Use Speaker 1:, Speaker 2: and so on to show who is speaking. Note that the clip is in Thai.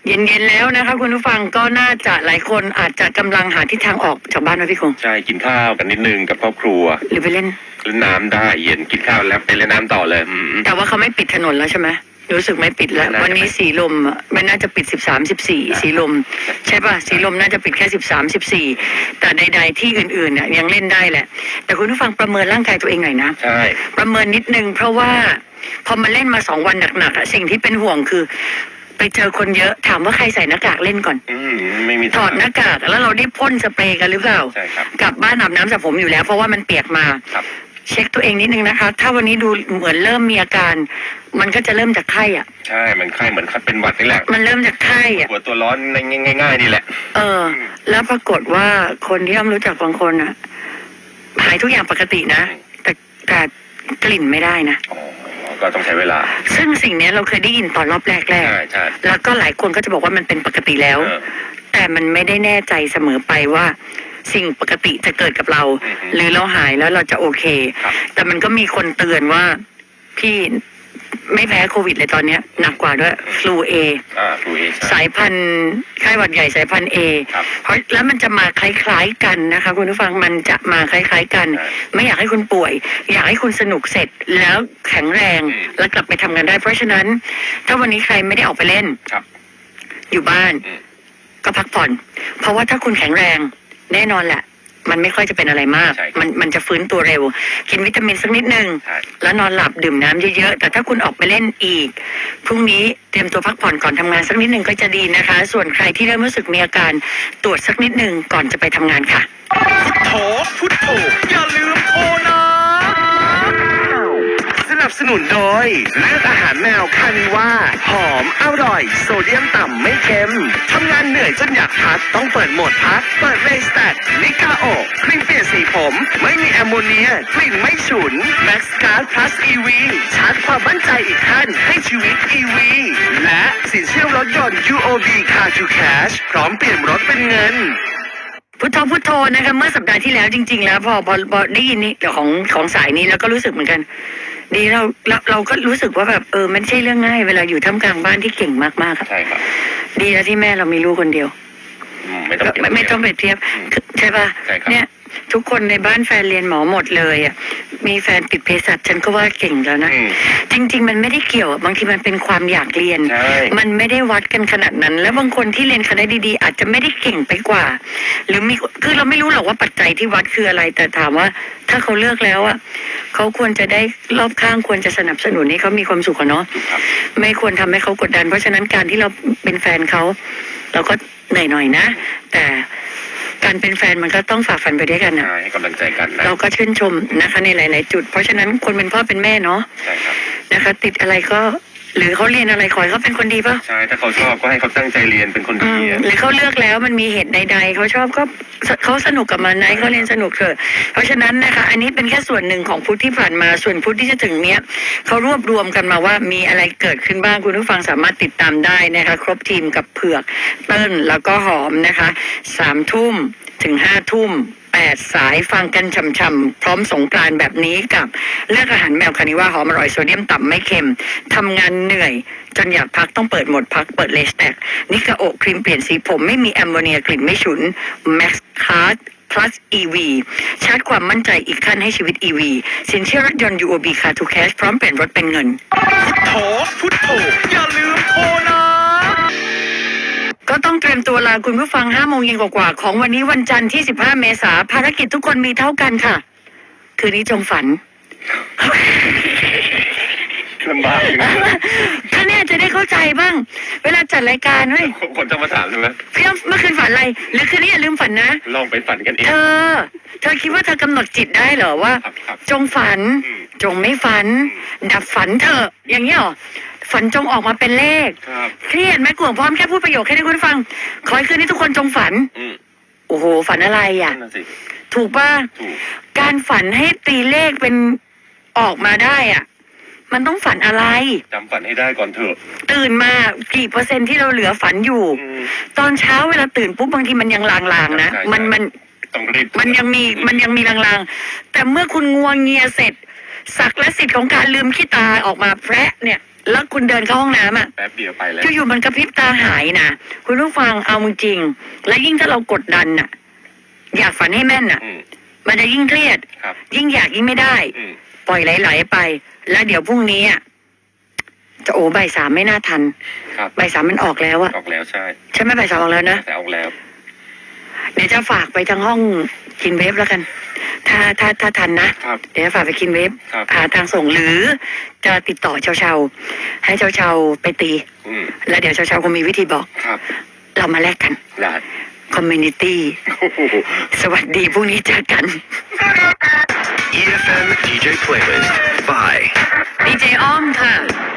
Speaker 1: เย็นๆแล้วนะคะคุณผู้ฟังก็น่าจะหลายคนอาจจะกำลังหาทิศทางออกจากบ้านนะพี่คง
Speaker 2: ใช่กินข้าวกันนิดนึงกับครอบครัว
Speaker 1: หรือไปเล่น
Speaker 2: น้ำได้เย็นกินข้าวแล้วไปเล่นน้ำต่อเลย
Speaker 1: แต่ว่าเขาไม่ปิดถนนแล้วใช่ไหมรู้สึกไม่ปิดแล้ววันนี้สีลมมันน่าจะปิด13-14สีลมใช่ป่ะสีลมน่าจะปิดแค่13-14แต่ใดๆที่อื่นๆน่ะยังเล่นได้แหละแต่คุณผู้ฟังประเมินร่างกายตัวเองหน่อยนะ
Speaker 2: ใช่
Speaker 1: ประเมินนิดนึงเพราะว่าพอมาเล่นมา2 วันหนักๆสิ่งที่เป็นห่วงคือไปเจอคนเยอะถามว่าใครใส่หน้ากากเล่นก่อน
Speaker 2: ไม่มี
Speaker 1: ถอดหน้ากากแล้วเราได้พ่นสเปรย์กันหรือเปล่า
Speaker 2: ใช่ครับ
Speaker 1: กลับบ้านอาบน้ำสระผมอยู่แล้วเพราะว่ามันเปียกมาเช็คตัวเองนิดนึงนะคะถ้าวันนี้ดูเหมือนเริ่มมีอาการมันก็จะเริ่มจากไข้อ่ะ
Speaker 2: ใช่มันไข้เหมือนเป็นหวัดนี่แหละ
Speaker 1: มันเริ่มจากไข้อ่ะ
Speaker 2: หัวตัวร้อนง่ายๆนี่แหละ
Speaker 1: แล้วปรากฏว่าคนที่อ้อมรู้จักบางคนอ่ะหายทุกอย่างปกตินะแต่กลิ่นไม่ได้นะ
Speaker 2: ก็ต้องใช้เวลา
Speaker 1: ซึ่งสิ่งนี้เราเคยได้ยินตอนรอบแรก
Speaker 2: ใช่
Speaker 1: แล้วก็หลายคนก็จะบอกว่ามันเป็นปกติแล้วแต่มันไม่ได้แน่ใจเสมอไปว่าสิ่งปกติจะเกิดกับเราหรือเราหายแล้วเราจะโอเคแต่มันก็มีคนเตือนว่าพี่ไม่แพ้โควิดเลยตอนนี้หนักกว่าด้วยฟลูเอสายพันธุ์ไข้หวัดใหญ่สายพันธุ์เอเพราะแล้วมันจะมาคล้ายๆกันนะคะคุณผู้ฟังมันจะมาคล้ายๆกันไม่อยากให้คุณป่วยอยากให้คุณสนุกเสร็จแล้วแข็งแรงแล้วกลับไปทำงานได้เพราะฉะนั้นถ้าวันนี้ใครไม่ได้ออกไปเล่นอยู่บ้านก็พักผ่อนเพราะว่าถ้าคุณแข็งแรงแน่นอนแหละมันไม่ค่อยจะเป็นอะไรมากมันจะฟื้นตัวเร็วกินวิตามินสักนิดนึงแล้วนอนหลับดื่มน้ำเยอะๆแต่ถ้าคุณออกไปเล่นอีกพรุ่งนี้เตรียมตัวพักผ่อนก่อนทำงานสักนิดนึงก็จะดีนะคะส่วนใครที่เริ่มรู้สึกมีอาการตรวจสักนิดนึงก่อนจะไปทำงานค่ะ
Speaker 3: พุทโธอย่าลืมโทรนะสนับสนุนโดยเลือกอาหารแมวคานิว่าหอมอร่อยโซเดียมต่ำไม่เค็มทำงานเหนื่อยจนอยากพักต้องเปิดโหมดพักเปิดเลสแตทนิกาโอครีมเปลี่ยนสีผมไม่มีแอมโมเนียกลิ่นไม่ฉุนแม็กซ์การ์ดพลัสอีวีชาร์จความมั่นใจอีกขั้นให้ชีวิตอีวีและสินเชื่อรถยนต์ UOB Car to Cash พร้อมเปลี่ยนรถเป็นเงิน
Speaker 1: พุทโธนะคะเมื่อสัปดาห์ที่แล้วจริงๆแล้วพอได้ยินนี่ของสายนี้แล้วก็รู้สึกเหมือนกันดีเราก็รู้สึกว่าแบบมันไม่ใช่เรื่องง่ายเวลาอยู่ท่ามกลางบ้านที่เก่งมากๆครับ
Speaker 2: ใช่ครับ
Speaker 1: ดีแล้วที่แม่เรามีลูกคนเดียวไม่ต้องเปรียบเทียบใช่ป่ะเนี่ยทุกคนในบ้านแฟนเรียนหมอหมดเลยอ่ะมีแฟนติดเภสัชฉันก็ว่าเก่งแล้วนะจริงๆมันไม่ได้เกี่ยวบางทีมันเป็นความอยากเรียนมันไม่ได้วัดกันขนาดนั้นแล้วบางคนที่เรียนคณะดีๆอาจจะไม่ได้เก่งไปกว่าหรือมีคือเราไม่รู้หรอกว่าปัจจัยที่วัดคืออะไรแต่ถามว่าถ้าเขาเลือกแล้วอ่ะเขาควรจะได้รอบข้างควรจะสนับสนุนให้เขามีความสุขเนาะไม่ควรทำให้เขากดดันเพราะฉะนั้นการที่เราเป็นแฟนเขาเราก็เหนื่อยหน่อยนะแต่การเป็นแฟนมันก็ต้องฝ่าฟันไปด้วยกันนะ
Speaker 2: ให้กำลังใจกันนะ
Speaker 1: เราก็ชื่นชมนะคะในหลายๆจุดเพราะฉะนั้นคนเป็นพ่อเป็นแม่เนาะนะคะติดอะไรก็หรือเขาเรียนอะไรขอให้เขาเป็นคนดีป่ะ
Speaker 2: ใช่ถ้าเขาชอบก็ให้เขาตั้งใจเรียนเป็นคนดี
Speaker 1: หรือเขาเลือกแล้วมันมีเหตุใดๆเขาชอบก็เขาสนุกกับมันนะเขาเรียนสนุกเถอะเพราะฉะนั้นนะคะอันนี้เป็นแค่ส่วนหนึ่งของพุธที่ผ่านมาส่วนพุธที่จะถึงเนี้ยเขารวบรวมกันมาว่ามีอะไรเกิดขึ้นบ้างคุณผู้ฟังสามารถติดตามได้นะคะครบทีมกับเผือกเติ้ลแล้วก็หอมนะคะ3 ทุ่มถึง5 ทุ่ม8 สายฟังกันช่ำๆพร้อมสงกรานต์แบบนี้กับเลือกอาหารแมวคานิว่าหอมอร่อยโซเดียมต่ำไม่เค็มทำงานเหนื่อยจนอยากพักต้องเปิดโหมดพักเปิดเลสแตกนิกาโอครีมเปลี่ยนสีผมไม่มีแอมโมเนียกลิ่นไม่ฉุนแม็กซ์คาร์ดplus EV ชาร์จความมั่นใจอีกขั้นให้ชีวิต EV สินเชื่อรถยนต์ UOB Car to Cash พร้อมเปลี่ยนรถเป็นเงิน
Speaker 3: พุทโธอย่าลืมโทรนะ
Speaker 1: ก็ต้องเตรียมตัวลาคุณผู้ฟัง5 โมงเย็นกว่าของวันนี้วันจันทร์ที่15 เมษายนภารกิจทุกคนมีเท่ากันค่ะคืนนี้จงฝัน
Speaker 2: ลำบาก
Speaker 1: ถ้าเนี่ยจะได้เข้าใจบ้างเวลาจัดรายการเฮ้ย
Speaker 2: คนจะมาถามใช่ไหม
Speaker 1: พี่เมื่อคืนฝันอะไรหรือคืนนี้อย่าลืมฝันนะ
Speaker 2: ลองไปฝันกันเอง
Speaker 1: เธอคิดว่าเธอกำหนดจิตได้เหรอว่าจงฝันจงไม่ฝันดับฝันเถอะอย่างนี้หรอฝันจงออกมาเป็นเลขเครียดไหมกลัวพร้อมแค่พูดประโยคแค่ให้คุณฟังขอให้คืนนี้ทุกคนจงฝันโอ้โหฝันอะไรอ่ะถูกป่ะการฝันให้ตีเลขเป็นออกมาได้อ่ะมันต้องฝันอะไร
Speaker 2: จำฝันให้ได้ก่อนเถอะ
Speaker 1: ตื่นมากี่เปอร์เซ็นต์ที่เราเหลือฝันอยู่ตอนเช้าเวลาตื่นปุ๊บบางทีมันยังลางๆนะมันยังมีลางๆแต่เมื่อคุณงัวเงียเสร็จศักดิ์และสิทธิ์ของการลืมขี้ตาออกมาแพระเนี่ยแล้วคุณเดินเข้าห้องน้ำอ่ะ
Speaker 2: แป๊บเดียวไปแล้ว
Speaker 1: อยู่ๆมันกระพริบตาหายนะคุณผู้ฟังเอาจริงๆและยิ่งถ้าเรากดดันน่ะ อยากฝันให้แม่นน่ะ
Speaker 2: อืม
Speaker 1: มันจะยิ่งเครียด
Speaker 2: ครับ
Speaker 1: ยิ่งอยากยิ่งไม่ได้
Speaker 2: อืม
Speaker 1: ปล่อยไหลๆไป แล้วเดี๋ยวพรุ่งนี้อ่ะจะบ่าย 3ไม่น่าทัน
Speaker 2: ครับ
Speaker 1: บ่าย 3มันออกแล้วอะ
Speaker 2: ออกแล้วใช่
Speaker 1: ใช่ไหมบ่าย 3ออกแล้วนะ
Speaker 2: แต่ออกแล้ว
Speaker 1: เดี๋ยวจะฝากไปทางห้องกินเวฟแล้วกัน ถ้าทันนะ
Speaker 2: ครับ
Speaker 1: เดี๋ยวจะฝากไปกินเวฟ
Speaker 2: ครับ
Speaker 1: หาทางส่งหรือจะติดต่อเชาๆให้เชาๆไปตี
Speaker 2: อืม
Speaker 1: แล้วเดี๋ยวเชาๆคงมีวิธีบอก
Speaker 2: ครับ
Speaker 1: เรามาแลกกัน
Speaker 2: ได้
Speaker 1: คอมมูนิตี้
Speaker 2: โอ้โห
Speaker 1: สวัสดีพรุ่งนี้เจอกัน
Speaker 3: EFM DJ Playlist by
Speaker 1: ดีเจอ้อมค่ะ